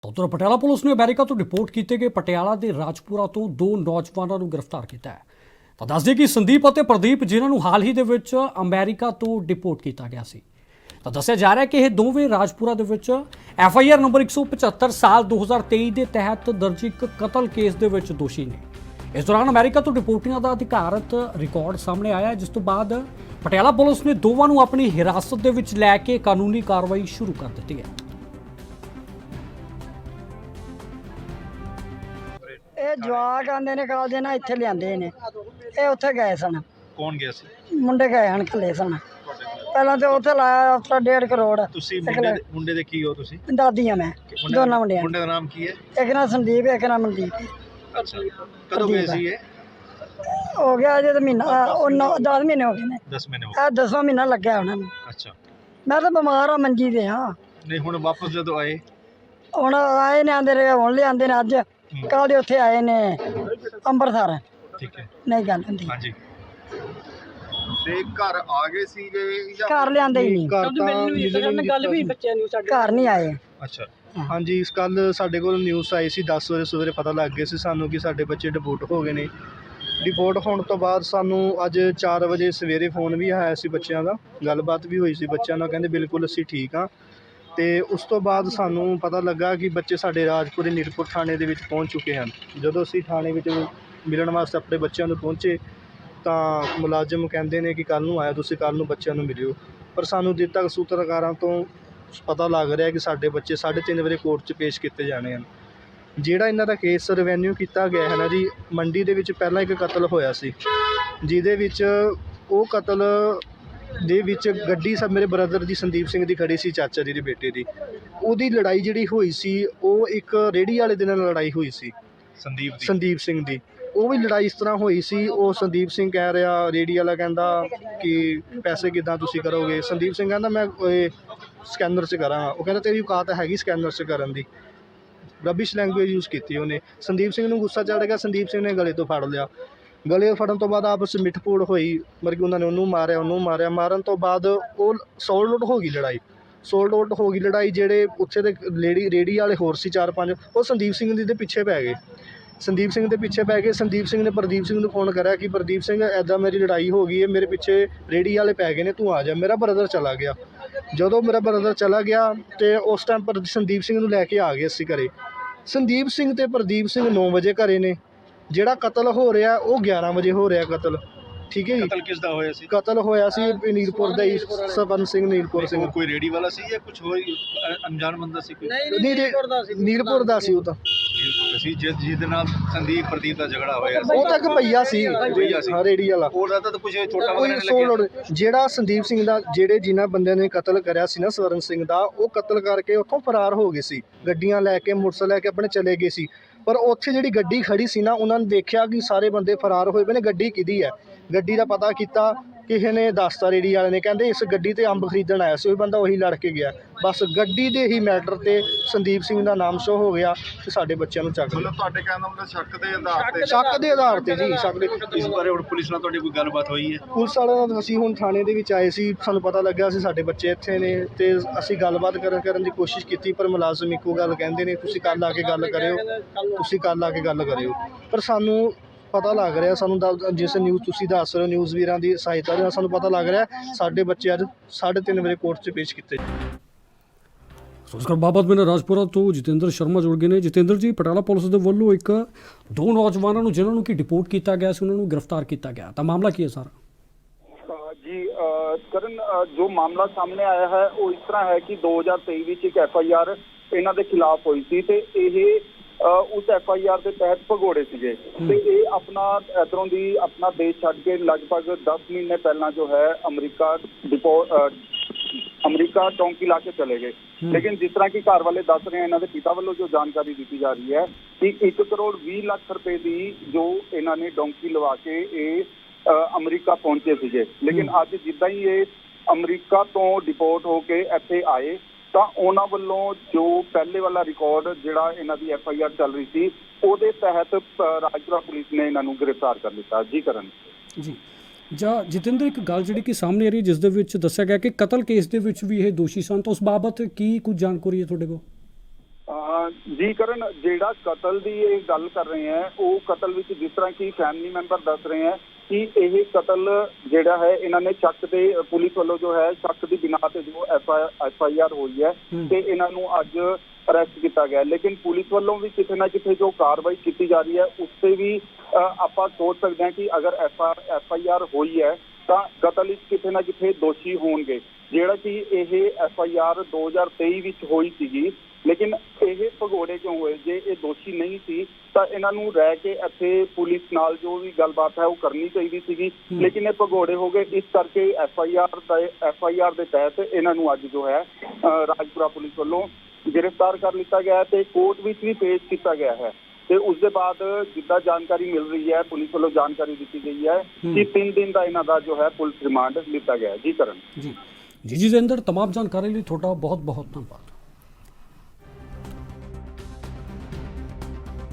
ਉਧਰ ਪਟਿਆਲਾ ਪੁਲਿਸ ਨੇ ਅਮਰੀਕਾ ਤੋਂ ਡਿਪੋਰਟ ਕੀਤੇ ਗਏ ਪਟਿਆਲਾ ਦੇ ਰਾਜਪੁਰਾ ਤੋਂ ਦੋ ਨੌਜਵਾਨਾਂ ਨੂੰ ਗ੍ਰਿਫਤਾਰ ਕੀਤਾ ਹੈ। ਤਾਂ ਦੱਸਦੇ ਕਿ ਸੰਦੀਪ ਅਤੇ ਪ੍ਰਦੀਪ ਜਿਨ੍ਹਾਂ ਨੂੰ ਹਾਲ ਹੀ ਦੇ ਵਿੱਚ ਅਮਰੀਕਾ ਤੋਂ ਡਿਪੋਰਟ ਕੀਤਾ ਗਿਆ ਸੀ। ਤਾਂ ਦੱਸਿਆ ਜਾ ਰਿਹਾ ਕਿ ਇਹ ਦੋਵੇਂ ਰਾਜਪੁਰਾ ਦੇ ਵਿੱਚ FIR ਨੰਬਰ 175 ਸਾਲ 2023 ਦੇ ਤਹਿਤ ਦਰਜ ਇੱਕ ਕਤਲ ਕੇਸ ਦੇ ਵਿੱਚ ਦੋਸ਼ੀ ਨੇ। ਇਸ ਦੌਰਾਨ ਅਮਰੀਕਾ ਤੋਂ ਡਿਪੋਰਟੀਆਂ ਦਾ ਅਧਿਕਾਰਤ ਰਿਕਾਰਡ ਸਾਹਮਣੇ ਆਇਆ, ਜਿਸ ਤੋਂ ਬਾਅਦ ਪਟਿਆਲਾ ਪੁਲਿਸ ਨੇ ਦੋਵਾਂ ਨੂੰ ਆਪਣੀ ਹਿਰਾਸਤ ਦੇ ਵਿੱਚ ਲੈ ਕੇ ਕਾਨੂੰਨੀ ਕਾਰਵਾਈ ਸ਼ੁਰੂ ਕਰ ਦਿੱਤੀ ਹੈ। ਇਹ ਜਵਾਕ ਆਂਦੇ ਨੇ ਕਾਲਜ ਨਾਲ ਇੱਥੇ ਲਿਆਂਦੇ ਨੇ। ਇਹ ਉੱਥੇ ਗਏ ਸਨ। ਕੌਣ ਗਿਆ ਸੀ? ਮੁੰਡੇ ਗਏ ਹਨ ਇਕੱਲੇ ਸਨ। ਪਹਿਲਾਂ ਤੇ ਉੱਥੇ ਲਾਇਆ ਹਫਤਾ 1.5 ਕਰੋੜ। ਤੁਸੀਂ ਮੁੰਡੇ ਦੇ ਕੀ ਹੋ? ਤੁਸੀਂ ਦਾਦੀ ਆ ਮੈਂ, ਦੋਨਾਂ ਮੁੰਡਿਆਂ। ਮੁੰਡੇ ਦਾ ਨਾਮ ਕੀ ਹੈ? ਇੱਕ ਨਾ ਸੰਦੀਪ, ਇੱਕ ਨਾ ਮਨਦੀਪ। ਅੱਛਾ, ਕਦੋਂ ਗਏ ਸੀ ਇਹ? ਹੋ ਗਿਆ ਅਜੇ ਤਾਂ ਮਹੀਨਾ 10 ਮਹੀਨੇ ਹੋ ਗਏ ਨੇ। 10 ਮਹੀਨੇ ਹੋ ਇਹ 10ਵਾਂ ਮਹੀਨਾ ਲੱਗਿਆ ਉਹਨਾਂ ਨੂੰ। ਗਏ। ਅੱਛਾ, ਮੈਂ ਤਾਂ ਬਿਮਾਰ ਆ, ਮੰਜੀ ਤੇ ਹਾਂ। ਨਹੀਂ ਹੁਣ ਵਾਪਸ ਜਦੋਂ ਆਏ? ਹੁਣ ਆਏ ਨੇ, ਆਂਦੇ ਰਹੇ, ਹੁਣ ਲਿਆਂਦੇ ਨੇ ਅੱਜ। ਕੱਲ੍ਹ ਦੇ ਉੱਥੇ ਆਏ ਨੇ ਅੰਮ੍ਰਿਤਸਰ। ਠੀਕ ਹੈ, ਨਹੀਂ ਗੱਲ ਹੁੰਦੀ। ਹਾਂਜੀ। ਤੇ ਘਰ ਆ ਗਏ ਸੀਗੇ ਜਾਂ ਘਰ ਲਿਆਂਦੇ ਹੀ ਨਹੀਂ। ਘਰ ਤਾਂ ਗੱਲ ਵੀ ਬੱਚਿਆਂ ਨੂੰ ਘਰ ਨਹੀਂ ਆਏ। ਅੱਛਾ, ਹਾਂਜੀ, ਇਸ ਕੱਲ ਸਾਡੇ ਕੋਲ ਨਿਊਜ਼ ਆਈ ਸੀ 10 ਵਜੇ ਸਵੇਰੇ। ਪਤਾ ਲੱਗ ਗਿਆ ਸੀ ਸਾਨੂੰ ਕਿ ਸਾਡੇ ਬੱਚੇ ਡਿਪੋਰਟ ਹੋ ਗਏ ਨੇ। ਡਿਪੋਰਟ ਹੋਣ ਤੋਂ ਬਾਅਦ ਸਾਨੂੰ ਅੱਜ 4 ਵਜੇ ਸਵੇਰੇ ਫੋਨ ਵੀ ਆਇਆ ਸੀ ਬੱਚਿਆਂ ਦਾ। ਗੱਲਬਾਤ ਵੀ ਹੋਈ ਸੀ ਬੱਚਿਆਂ ਨਾਲ, ਕਹਿੰਦੇ ਬਿਲਕੁਲ ਅਸੀਂ ਠੀਕ ਹਾਂ। ਤੇ ਉਸ ਤੋਂ ਬਾਅਦ ਸਾਨੂੰ ਪਤਾ ਲੱਗਾ ਕਿ ਬੱਚੇ ਸਾਡੇ ਰਾਜਪੁਰੇ ਨੀਰਪੁਰ ਥਾਣੇ ਦੇ ਵਿੱਚ ਪਹੁੰਚ ਚੁੱਕੇ ਹਨ। ਜਦੋਂ ਅਸੀਂ ਥਾਣੇ ਵਿੱਚ ਮਿਲਣ ਵਾਸਤੇ ਆਪਣੇ ਬੱਚਿਆਂ ਨੂੰ ਪਹੁੰਚੇ ਤਾਂ ਮੁਲਾਜ਼ਮ ਕਹਿੰਦੇ ਨੇ ਕਿ ਕੱਲ੍ਹ ਨੂੰ ਆਇਆ, ਤੁਸੀਂ ਕੱਲ੍ਹ ਨੂੰ ਬੱਚਿਆਂ ਨੂੰ ਮਿਲਿਓ। ਪਰ ਸਾਨੂੰ ਜਿੱਦ ਤੱਕ ਸੂਤਰਕਾਰਾਂ ਤੋਂ ਪਤਾ ਲੱਗ ਰਿਹਾ ਕਿ ਸਾਡੇ ਬੱਚੇ 3:30 ਵਜੇ ਕੋਰਟ 'ਚ ਪੇਸ਼ ਕੀਤੇ ਜਾਣੇ ਹਨ। ਜਿਹੜਾ ਇਹਨਾਂ ਦਾ ਕੇਸ ਰਿਵੈਨਿਊ ਕੀਤਾ ਗਿਆ ਹੈ ਨਾ ਜੀ, ਮੰਡੀ ਦੇ ਵਿੱਚ ਪਹਿਲਾਂ ਇੱਕ ਕਤਲ ਹੋਇਆ ਸੀ, ਜਿਹਦੇ ਵਿੱਚ ਉਹ ਕਤਲ ਦੇ ਵਿੱਚ ਗੱਡੀ ਸਭ ਮੇਰੇ ਬ੍ਰਦਰ ਦੀ ਸੰਦੀਪ ਸਿੰਘ ਦੀ ਖੜੀ ਸੀ, ਚਾਚਾ ਜੀ ਦੇ ਬੇਟੇ ਦੀ। ਉਹਦੀ ਲੜਾਈ ਜਿਹੜੀ ਹੋਈ ਸੀ ਉਹ ਇੱਕ ਰੇਹੜੀ ਵਾਲੇ ਦੇ ਨਾਲ ਲੜਾਈ ਹੋਈ ਸੀ, ਸੰਦੀਪ ਸਿੰਘ ਦੀ। ਉਹ ਵੀ ਲੜਾਈ ਇਸ ਤਰ੍ਹਾਂ ਹੋਈ ਸੀ। ਉਹ ਸੰਦੀਪ ਸਿੰਘ ਕਹਿ ਰਿਹਾ, ਰੇਹੜੀ ਵਾਲਾ ਕਹਿੰਦਾ ਕਿ ਪੈਸੇ ਕਿੱਦਾਂ ਤੁਸੀਂ ਕਰੋਗੇ? ਸੰਦੀਪ ਸਿੰਘ ਕਹਿੰਦਾ ਮੈਂ ਸਕੈਨਰ 'ਚ ਕਰਾਂਗਾ। ਉਹ ਕਹਿੰਦਾ ਤੇਰੀ ਔਕਾਤ ਹੈਗੀ ਸਕੈਨਰ 'ਚ ਕਰਨ ਦੀ? ਰਬਿਸ਼ ਲੈਂਗੁਏਜ ਯੂਜ਼ ਕੀਤੀ ਉਹਨੇ। ਸੰਦੀਪ ਸਿੰਘ ਨੂੰ ਗੁੱਸਾ ਚੜ੍ਹ ਗਿਆ। ਸੰਦੀਪ ਸਿੰਘ ਨੇ ਗਲੇ ਤੋਂ ਫੜ ਲਿਆ। ਗਲੇ ਫੜਨ ਤੋਂ ਬਾਅਦ ਆਪਸ ਵਿੱਚ ਮਿੱਠ-ਪੂੜ ਹੋਈ, ਮਤਲਬ ਕਿ ਉਹਨਾਂ ਨੇ ਉਹਨੂੰ ਮਾਰਿਆ। ਮਾਰਨ ਤੋਂ ਬਾਅਦ ਉਹ ਸੋਲਡ ਹੋ ਗਈ ਲੜਾਈ। ਜਿਹੜੇ ਉੱਥੇ ਦੇ ਰੇਹੜੀ ਵਾਲੇ ਹੋਰ ਸੀ 4-5, ਉਹ ਸੰਦੀਪ ਸਿੰਘ ਦੇ ਪਿੱਛੇ ਪੈ ਗਏ। ਸੰਦੀਪ ਸਿੰਘ ਨੇ ਪ੍ਰਦੀਪ ਸਿੰਘ ਨੂੰ ਫੋਨ ਕਰਿਆ ਕਿ ਪ੍ਰਦੀਪ ਸਿੰਘ ਐਦਾਂ ਮੇਰੀ ਲੜਾਈ ਹੋ ਗਈ ਹੈ, ਮੇਰੇ ਪਿੱਛੇ ਰੇਹੜੀ ਵਾਲੇ ਪੈ ਗਏ ਨੇ, ਤੂੰ ਆ ਜਾ। ਮੇਰਾ ਬ੍ਰਦਰ ਚਲਾ ਗਿਆ। ਜਦੋਂ ਮੇਰਾ ਬ੍ਰਦਰ ਚਲਾ ਗਿਆ ਤੇ ਉਸ ਟਾਈਮ ਪਰ ਸੰਦੀਪ ਸਿੰਘ ਨੂੰ ਲੈ ਕੇ ਆ ਗਏ ਅਸੀਂ ਘਰੇ। ਸੰਦੀਪ ਸਿੰਘ ਤੇ ਪ੍ਰਦੀਪ ਸਿੰਘ 9 ਵਜੇ ਘਰੇ ਨੇ। ਜਿਹੜਾ ਕਤਲ ਹੋ ਰਿਹਾ ਉਹ 11 ਵਜੇ ਹੋ ਰਿਹਾ ਕਤਲ। ਠੀਕ ਹੈ ਜੀ। ਕਤਲ ਕਿਸ ਦਾ ਹੋਇਆ ਸੀ? ਕਤਲ ਹੋਇਆ ਸੀ ਨੀਲਪੁਰ ਦਾ ਹੀ, ਸਵਰਨ ਸਿੰਘ ਨੀਲਪੁਰ ਸਿੰਘ। ਕੋਈ ਰੇੜੀ ਵਾਲਾ ਸੀ ਜਾਂ ਕੁਝ ਹੋਰ ਅਣਜਾਣ ਬੰਦਾ ਸੀ? ਕੋਈ ਨੀਲਪੁਰ ਦਾ ਸੀ ਉਹ ਤਾਂ। ਸੀ ਜਿਹਦੇ ਨਾਲ ਸੰਦੀਪ ਪ੍ਰਦੀਪ ਦਾ ਝਗੜਾ ਹੋਇਆ ਸੀ। ਉਹ ਤਾਂ ਇੱਕ ਭਈਆ ਸੀ, ਹਾਂ ਰੇੜੀ ਵਾਲਾ। ਉਹਦਾ ਤਾਂ ਕੁਝ ਛੋਟਾ ਕੋਈ ਵਗੈਰਾ ਨਹੀਂ ਲੱਗਿਆ। ਜਿਹੜਾ ਸੰਦੀਪ ਸਿੰਘ ਦਾ, ਜਿਨ੍ਹਾਂ ਬੰਦਿਆਂ ਨੇ ਕਤਲ ਕਰਿਆ ਸੀ ਨਾ ਸਵਰਨ ਸਿੰਘ ਦਾ, ਉਹ ਕਤਲ ਕਰਕੇ ਉੱਥੋਂ ਫਰਾਰ ਹੋ ਗਏ ਸੀ। ਗੱਡੀਆਂ ਲੈ ਕੇ, ਮੋਟਰਸਾਈਕਲ ਲੈ ਕੇ ਆਪਣੇ ਚਲੇ ਗਏ ਸੀ। ਪਰ ਉੱਥੇ ਜਿਹੜੀ ਗੱਡੀ ਖੜੀ ਸੀ ਨਾ, ਉਹਨਾਂ ਨੇ ਦੇਖਿਆ ਕਿ ਸਾਰੇ ਬੰਦੇ ਫਰਾਰ ਹੋਏ ਪਏ ਨੇ। ਗੱਡੀ ਕਿਹਦੀ ਹੈ? ਗੱਡੀ ਦਾ ਪਤਾ ਕੀਤਾ, ਕਿਸੇ ਨੇ ਦੱਸਤਾ, ਰੇੜੀ ਵਾਲੇ ਨੇ, ਕਹਿੰਦੇ ਇਸ ਗੱਡੀ ਤੇ ਅੰਬ ਖਰੀਦਣ ਆਇਆ ਸੀ। ਉਹ ਬੰਦਾ ਉਹੀ ਲੜ ਕੇ ਗਿਆ। ਬਸ ਗੱਡੀ ਦੇ ਹੀ ਮੈਟਰ ਤੇ ਸੰਦੀਪ ਸਿੰਘ ਦਾ ਨਾਮ ਸ਼ੋ ਹੋ ਗਿਆ ਤੇ ਸਾਡੇ ਬੱਚਿਆਂ ਨੂੰ ਚੱਕ ਲਿਆ। ਤੁਹਾਡੇ ਕਹਿਣ ਦਾ ਮਤਲਬ ਸ਼ੱਕ ਦੇ ਆਧਾਰ ਤੇ? ਸ਼ੱਕ ਦੇ ਆਧਾਰ ਤੇ ਜੀ, ਸ਼ੱਕ ਦੇ। ਇਸ ਬਾਰੇ ਹੁਣ ਪੁਲਿਸ ਨਾਲ ਤੁਹਾਡੀ ਕੋਈ ਗੱਲਬਾਤ ਹੋਈ ਹੈ? ਪੁਲਿਸ ਵਾਲਿਆਂ ਨਾਲ ਅਸੀਂ ਹੁਣ ਥਾਣੇ ਦੇ ਵਿੱਚ ਆਏ ਸੀ, ਸਾਨੂੰ ਪਤਾ ਲੱਗਾ ਸੀ ਸਾਡੇ ਬੱਚੇ ਇੱਥੇ ਨੇ ਤੇ ਅਸੀਂ ਗੱਲਬਾਤ ਕਰਨ ਦੀ ਕੋਸ਼ਿਸ਼ ਕੀਤੀ। ਪਰ ਮੁਲਾਜ਼ਮ ਇੱਕੋ ਗੱਲ ਕਹਿੰਦੇ ਨੇ, ਤੁਸੀਂ ਕੱਲ੍ਹ ਆ ਕੇ ਗੱਲ ਕਰਿਓ। ਪਰ ਸਾਨੂੰ ਪਤਾ ਲੱਗ ਰਿਹਾ, ਸਾਨੂੰ ਜਿਸ ਨਿਊਜ਼ ਤੁਸੀਂ ਦੱਸ ਰਹੇ ਹੋ, ਨਿਊਜ਼ ਵੀਰਾਂ ਦੀ ਸਹਾਇਤਾ ਦੇ ਨਾਲ ਸਾਨੂੰ ਪਤਾ ਲੱਗ ਰਿਹਾ ਸਾਡੇ ਬੱਚੇ ਅੱਜ 3:30 ਵਜੇ ਕੋਰਟ 'ਚ ਪੇਸ਼ ਕੀਤੇ। ਇਸ ਬਾਬਤ ਮੇਰੇ ਰਾਜਪੁਰਾ ਤੋਂ ਜਤਿੰਦਰ ਸ਼ਰਮਾ ਜੁੜ ਗਏ ਨੇ। ਜਤਿੰਦਰ ਜੀ, ਪਟਿਆਲਾ ਪੁਲਿਸ ਦੇ ਵੱਲੋਂ ਦੋ ਨੌਜਵਾਨਾਂ ਨੂੰ ਜਿਨ੍ਹਾਂ ਨੂੰ ਕਿ ਡਿਪੋਰਟ ਕੀਤਾ ਗਿਆ ਸੀ, ਉਹਨਾਂ ਨੂੰ ਗ੍ਰਿਫਤਾਰ ਕੀਤਾ ਗਿਆ, ਤਾਂ ਮਾਮਲਾ ਕੀ ਹੈ ਸਾਰਾ? ਜੀ ਕਰਨ, ਜੋ ਮਾਮਲਾ ਸਾਹਮਣੇ ਆਇਆ ਹੈ ਉਹ ਇਸ ਤਰ੍ਹਾਂ ਹੈ ਕਿ 2023 ਵਿੱਚ ਇੱਕ FIR ਇਹਨਾਂ ਦੇ ਖਿਲਾਫ ਹੋਈ ਸੀ ਤੇ ਇਹ ਉਸ FIR ਦੇ ਤਹਿਤ ਭਗੌੜੇ ਸੀਗੇ ਤੇ ਇਹ ਇੱਧਰੋਂ ਦੀ ਆਪਣਾ ਦੇਸ਼ ਛੱਡ ਕੇ ਲਗਭਗ 10 ਮਹੀਨੇ ਪਹਿਲਾਂ ਜੋ ਹੈ ਅਮਰੀਕਾ ਚੌਂਕੀ ਲਾ ਕੇ ਚਲੇ ਗਏ। ਲੇਕਿਨ ਜਿਸ ਤਰ੍ਹਾਂ ਕਿ ਘਰ ਵਾਲੇ ਦੱਸ ਰਹੇ हैं, ਇਹਨਾਂ ਦੇ ਪਿਤਾ ਵੱਲੋਂ ਜੋ ਜਾਣਕਾਰੀ ਦਿੱਤੀ ਜਾ ਰਹੀ ਹੈ ਕਿ 1 ਕਰੋੜ 20 ਲੱਖ ਰੁਪਏ ਦੀ ਜੋ ਇਹਨਾਂ ਨੇ ਡੌਂਕੀ ਲਵਾ ਕੇ ਇਹ ਅਮਰੀਕਾ ਪਹੁੰਚੇ ਸੀਗੇ। ਲੇਕਿਨ ਅੱਜ ਜਿੱਦਾਂ ਹੀ ਇਹ ਅਮਰੀਕਾ ਤੋਂ ਡਿਪੋਰਟ ਹੋ ਕੇ ਇੱਥੇ ਆਏ ਤਾਂ ਉਹਨਾਂ ਵੱਲੋਂ ਜੋ ਪਹਿਲੇ ਵਾਲਾ ਰਿਕਾਰਡ ਜਿਹੜਾ ਇਹਨਾਂ ਦੀ FIR ਚੱਲ ਰਹੀ ਸੀ, ਉਹਦੇ ਤਹਿਤ ਰਾਜਪੁਰਾ ਪੁਲਿਸ ਨੇ ਇਹਨਾਂ ਨੂੰ ਗ੍ਰਿਫਤਾਰ ਕਰ ਲਿੱਤਾ। ਜੀ ਕਰਨ ਜੀ ਜਤਿੰਦਰ, ਇੱਕ ਗੱਲ ਜਿਹੜੀ ਕਿ ਸਾਹਮਣੇ ਆ ਰਹੀ, ਜਿਸ ਦੇ ਵਿੱਚ ਦੱਸਿਆ ਗਿਆ ਕਿ ਕਤਲ ਕੇਸ ਦੇ ਵਿੱਚ ਵੀ ਇਹ ਦੋਸ਼ੀ ਸਨ, ਤਾਂ ਉਸ ਬਾਬਤ ਕੀ ਕੁਝ ਜਾਣਕਾਰੀ ਹੈ ਤੁਹਾਡੇ ਕੋਲ? ਜੀ ਕਰਨ, ਜਿਹੜਾ ਕਤਲ ਦੀ ਇਹ ਗੱਲ ਕਰ ਰਹੇ ਹੈ ਉਹ ਕਤਲ ਵਿੱਚ ਜਿਸ ਤਰ੍ਹਾਂ ਕਿ ਫੈਮਿਲੀ ਮੈਂਬਰ ਦੱਸ ਰਹੇ ਹੈ ਕਿ ਇਹ ਕਤਲ ਜਿਹੜਾ ਹੈ ਇਹਨਾਂ ਨੇ ਸ਼ੱਕ ਦੇ, ਪੁਲਿਸ ਵੱਲੋਂ ਜੋ ਹੈ ਸ਼ੱਕ ਦੀ ਬਿਨਾਂ ਤੇ ਜੋ FIR ਹੋਈ ਹੈ ਤੇ ਇਹਨਾਂ ਨੂੰ ਅੱਜ ਅਰੈਸਟ ਕੀਤਾ ਗਿਆ। ਲੇਕਿਨ ਪੁਲਿਸ ਵੱਲੋਂ ਵੀ ਕਿਤੇ ਨਾ ਕਿਤੇ ਜੋ ਕਾਰਵਾਈ ਕੀਤੀ ਜਾ ਰਹੀ ਹੈ ਉਸ ਤੇ ਵੀ ਆਪਾਂ ਸੋਚ ਸਕਦੇ ਹਾਂ ਕਿ ਅਗਰ FIR ਹੋਈ ਹੈ ਤਾਂ ਕਤਲ ਵਿੱਚ ਕਿਤੇ ਨਾ ਕਿਤੇ ਦੋਸ਼ੀ ਹੋਣਗੇ। ਜਿਹੜਾ ਕਿ ਇਹ FIR 2023 ਵਿੱਚ ਹੋਈ ਸੀਗੀ, ਲੇਕਿਨ ਇਹ ਭਗੌੜੇ ਕਿਉਂ ਹੋਏ? ਜੇ ਇਹ ਦੋਸ਼ੀ ਨਹੀਂ ਸੀ ਤਾਂ ਇਹਨਾਂ ਨੂੰ ਰਹਿ ਕੇ ਇੱਥੇ ਪੁਲਿਸ ਨਾਲ ਜੋ ਵੀ ਗੱਲਬਾਤ ਹੈ ਉਹ ਕਰਨੀ ਚਾਹੀਦੀ ਸੀਗੀ, ਲੇਕਿਨ ਇਹ ਭਗੌੜੇ ਹੋ ਗਏ। ਇਸ ਕਰਕੇ FIR ਦੇ ਤਹਿਤ ਇਹਨਾਂ ਨੂੰ ਅੱਜ ਜੋ ਹੈ ਰਾਜਪੁਰਾ ਪੁਲਿਸ ਵੱਲੋਂ ਗ੍ਰਿਫਤਾਰ ਕਰ ਲਿੱਤਾ ਗਿਆ ਤੇ ਕੋਰਟ ਵਿੱਚ ਵੀ ਪੇਸ਼ ਕੀਤਾ ਗਿਆ ਹੈ। ਤੇ ਉਸ ਦੇ ਬਾਅਦ ਜਿੱਦਾਂ ਜਾਣਕਾਰੀ ਮਿਲ ਰਹੀ ਹੈ, ਪੁਲਿਸ ਵੱਲੋਂ ਜਾਣਕਾਰੀ ਦਿੱਤੀ ਗਈ ਹੈ ਕਿ 3 ਦਿਨ ਦਾ ਇਹਨਾਂ ਦਾ ਜੋ ਹੈ ਪੁਲਿਸ ਰਿਮਾਂਡ ਲਿੱਤਾ ਗਿਆ। ਜੀ ਕਰਨ ਜੀ ਜਤਿੰਦਰ, तमाम जानकारी ਲਈ ਤੁਹਾਡਾ बहुत बहुत धन्यवाद।